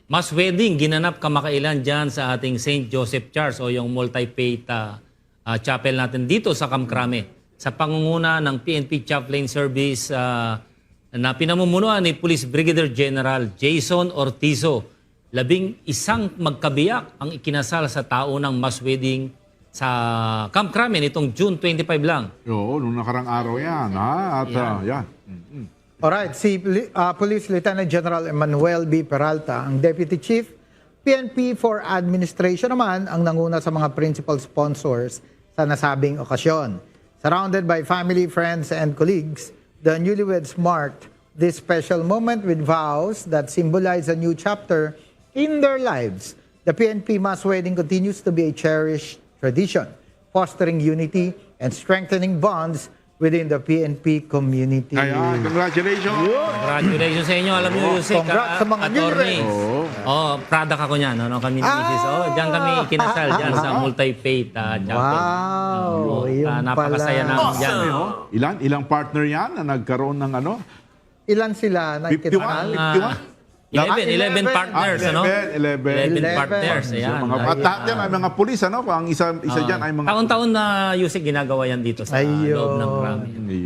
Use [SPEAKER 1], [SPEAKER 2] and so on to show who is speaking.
[SPEAKER 1] mass wedding ginanap kamakailan dyan sa ating St. Joseph Church o yung multi-faith chapel natin dito sa Kamkrame. Sa pangunguna ng PNP Chaplain Service na pinamumunuan ni Police Brigadier General Jason Ortizo. 11 magkabiyak ang ikinasal sa taunang mass wedding sa Camp Crame nitong June 25 lang.
[SPEAKER 2] Oo, nung nakarang araw yan. Ha? At yan.
[SPEAKER 3] Alright, si Police Lieutenant General Emmanuel B. Peralta, ang Deputy Chief, PNP for Administration naman ang nanguna sa mga principal sponsors sa nasabing okasyon. Surrounded by family, friends, and colleagues, the newlyweds marked this special moment with vows that symbolize a new chapter in their lives. The PNP mass wedding continues to be a cherished tradition, fostering unity and strengthening bonds within the PNP community.
[SPEAKER 2] Kaya, congratulations.
[SPEAKER 1] Congratulations sa inyo. Alam niyo, Yusek,
[SPEAKER 3] Congrats sa mga
[SPEAKER 1] attorney.
[SPEAKER 3] newlyweds.
[SPEAKER 1] Product ako niyan. Ano, kami ni Mrs. Diyan kami kinasal dyan sa multi-faith chapel.
[SPEAKER 3] Wow, yun
[SPEAKER 1] Napakasaya
[SPEAKER 3] pala.
[SPEAKER 1] namin dyan.
[SPEAKER 2] Ilang partner yan na nagkaroon ng ano?
[SPEAKER 3] Ilan sila na
[SPEAKER 2] 51?
[SPEAKER 3] ikinasal?
[SPEAKER 2] 51?
[SPEAKER 1] 11 partners, ano?
[SPEAKER 2] 11.
[SPEAKER 1] 11 partners, ayan.
[SPEAKER 2] Mga patatyan ay mga pulis, ano? Ang isa dyan ay mga...
[SPEAKER 1] Taon-taon na Yusek ginagawa yan dito sa
[SPEAKER 3] Ayun.
[SPEAKER 1] loob ng Crame.